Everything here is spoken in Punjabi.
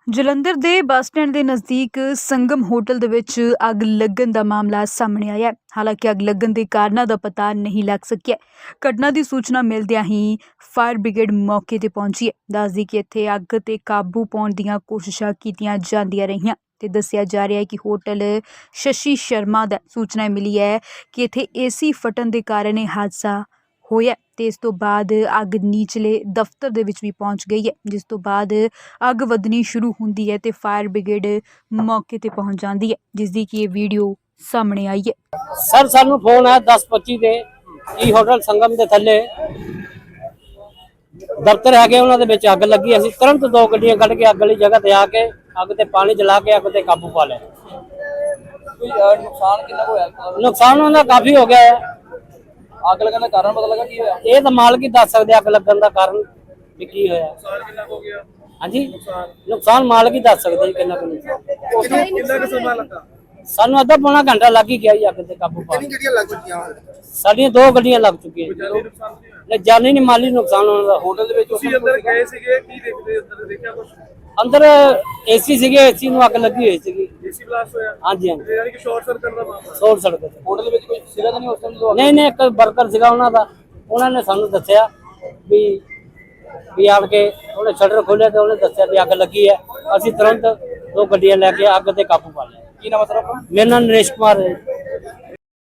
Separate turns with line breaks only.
ਜਲੰਧਰ ਦੇ ਬੱਸ ਸਟੈਂਡ ਦੇ ਨਜ਼ਦੀਕ ਸੰਗਮ ਹੋਟਲ ਦੇ ਵਿੱਚ ਅੱਗ ਲੱਗਣ ਦਾ ਮਾਮਲਾ ਸਾਹਮਣੇ ਆਇਆ ਹੈ। ਹਾਲਾਂਕਿ ਅੱਗ ਲੱਗਣ ਦੇ ਕਾਰਨਾਂ ਦਾ ਪਤਾ ਨਹੀਂ ਲੱਗ ਸਕਿਆ। ਘਟਨਾ ਦੀ ਸੂਚਨਾ ਮਿਲਦਿਆਂ ਹੀ ਫਾਇਰ ਬ੍ਰਿਗੇਡ ਮੌਕੇ ਤੇ ਪਹੁੰਚੀ ਹੈ। ਦੱਸਦੀ ਕਿ ਇੱਥੇ ਅੱਗ ਤੇ ਕਾਬੂ ਪਾਉਣ ਦੀਆਂ ਕੋਸ਼ਿਸ਼ਾਂ ਕੀਤੀਆਂ ਜਾਂਦੀਆਂ ਰਹੀਆਂ ਤੇ ਦੱਸਿਆ ਜਾ ਰਿਹਾ ਹੈ ਕਿ ਹੋਟਲ ਸ਼ਸ਼ੀ ਸ਼ਰਮਾ ਦਾ ਸੂਚਨਾ ਮਿਲੀ ਹੈ ਕਿ ਇੱਥੇ ਏਸੀ ਫਟਣ ਦੇ ਕਾਰਨ ਇਹ ਹਾਦਸਾ ਹੋਇਆ ਤੇ ਇਸ ਤੋਂ ਬਾਅਦ ਅੱਗ ਨੀਚਲੇ ਦਫ਼ਤਰ ਦੇ ਵਿੱਚ ਵੀ ਪਹੁੰਚ ਗਈ ਹੈ, ਜਿਸ ਤੋਂ ਬਾਅਦ ਅੱਗ ਵਧਣੀ ਸ਼ੁਰੂ ਹੁੰਦੀ ਹੈ ਤੇ ਫਾਇਰ ਬ੍ਰਿਗੇਡ ਮੌਕੇ ਤੇ ਪਹੁੰਚ ਜਾਂਦੀ ਹੈ, ਜਿਸ ਦੀ ਕਿ ਇਹ ਵੀਡੀਓ ਸਾਹਮਣੇ ਆਈ ਹੈ।
सर सानू फोन है 10:25 ਦੇ ई ਹੋਟਲ ਸੰਗਮ ਦੇ ਥੱਲੇ ਦਫ਼ਤਰ ਹੈਗੇ ਉਹਨਾਂ ਦੇ ਵਿੱਚ ਅੱਗ ਲੱਗੀ। ਅਸੀਂ ਤੁਰੰਤ 2 ਗੱਡੀਆਂ ਕੱਢ ਕੇ ਅੱਗ ਵਾਲੀ ਜਗ੍ਹਾ ਤੇ ਆ ਕੇ ਅੱਗ ਤੇ ਪਾਣੀ ਜਲਾ ਕੇ ਅੱਗ ਤੇ ਕਾਬੂ ਪਾ ਲਿਆ।
ਕੋਈ ਨੁਕਸਾਨ ਕਿੰਨਾ ਹੋਇਆ?
ਨੁਕਸਾਨ ਉਹਨਾਂ ਦਾ ਕਾਫੀ ਹੋ ਗਿਆ ਹੈ।
ਅੱਗ ਲੱਗਣ ਦਾ ਕਾਰਨ ਪਤਾ ਲੱਗਾ ਕੀ ਹੋਇਆ?
ਇਹ ਤਾਂ ਮਾਲਕ ਹੀ ਦੱਸ ਸਕਦੇ ਅੱਗ ਲੱਗਣ ਦਾ ਕਾਰਨ ਵੀ ਕੀ ਹੋਇਆ।
ਨੁਕਸਾਨ ਕਿੰਨਾ ਹੋ ਗਿਆ?
ਹਾਂਜੀ ਨੁਕਸਾਨ ਮਾਲਕ ਹੀ ਦੱਸ ਸਕਦੇ ਜੀ ਕਿੰਨਾ ਕੁ ਨੁਕਸਾਨ।
ਕਿੰਨਾ ਕੁ ਸਮਾਂ ਲੱਗਾ?
ਸਾਨੂੰ ਅੱਧਾ ਪੌਣਾ ਘੰਟਾ ਲੱਗ ਹੀ ਗਿਆ ਜੀ ਅੱਗ ਤੇ ਕਾਬੂ ਪਾ।
ਕਿੰਨੀ ਗੱਡੀਆਂ ਲੱਗ ਚੁੱਕੀਆਂ?
ਸਾਡੀਆਂ 2 ਗੱਡੀਆਂ ਲੱਗ ਚੁੱਕੀਆਂ ਜੀ।
ਜਾਨੀ ਨੁਕਸਾਨ ਨਹੀਂ ਹੋਇਆ?
ਨਹੀਂ ਜਾਨੀ ਨਹੀਂ ਮਾਲੀ ਨੁਕਸਾਨ ਉਹਨਾਂ ਦਾ।
ਹੋਟਲ ਦੇ ਵਿੱਚ ਤੁਸੀਂ ਅੰਦਰ ਗਏ ਸੀਗੇ, ਕੀ ਦੇਖਦੇ ਅੰਦਰ ਦੇਖਿਆ ਕੁਝ?
ਅੰਦਰ ਏਸੀ ਸੀਗੇ, ਏਸੀ ਨੂੰ ਅੱਗ ਲੱਗੀ ਹੋਈ ਸੀਗੀ।
ਏਸੀ ਬਲਾਸਟ ਹੋਇਆ?
ਹਾਂਜੀ ਹਾਂਜੀ
ਯਾਨੀ ਕਿ ਸ਼ਾਰਟ ਸਰਕਟ ਦਾ ਮਾਮਲਾ।
ਸੋਲ ਸੜਕ ਤੇ।
ਹੋਟਲ ਦੇ ਵਿੱਚ ਕੋਈ ਸੀਗਾ ਤਾਂ ਨਹੀਂ ਉਸ ਟਾਈਮ?
ਨਹੀਂ ਨਹੀਂ ਇੱਕ ਵਰਕਰ ਸੀਗਾ ਉਹਨਾਂ ਦਾ, ਉਹਨਾਂ ਨੇ ਸਾਨੂੰ ਦੱਸਿਆ ਵੀ ਆਣ ਕੇ ਉਹਨੇ ਸ਼ਟਰ ਖੋਲ੍ਹਿਆ ਤੇ ਉਹਨੇ ਦੱਸਿਆ ਵੀ ਅੱਗ ਲੱਗੀ ਹੈ। ਅਸੀਂ ਤੁਰੰਤ 2 ਗੱਡੀਆਂ ਲੈ ਕੇ ਅੱਗ ਤੇ ਕਾਬੂ ਪਾ ਲਿਆ।
ਕੀ ਨਾਮ ਹੈ ਸਰ ਆਪਣਾ?
ਮੇਰਾ ਨਾਮ ਨਰੇਸ਼ ਕੁਮਾਰ ਹੈ।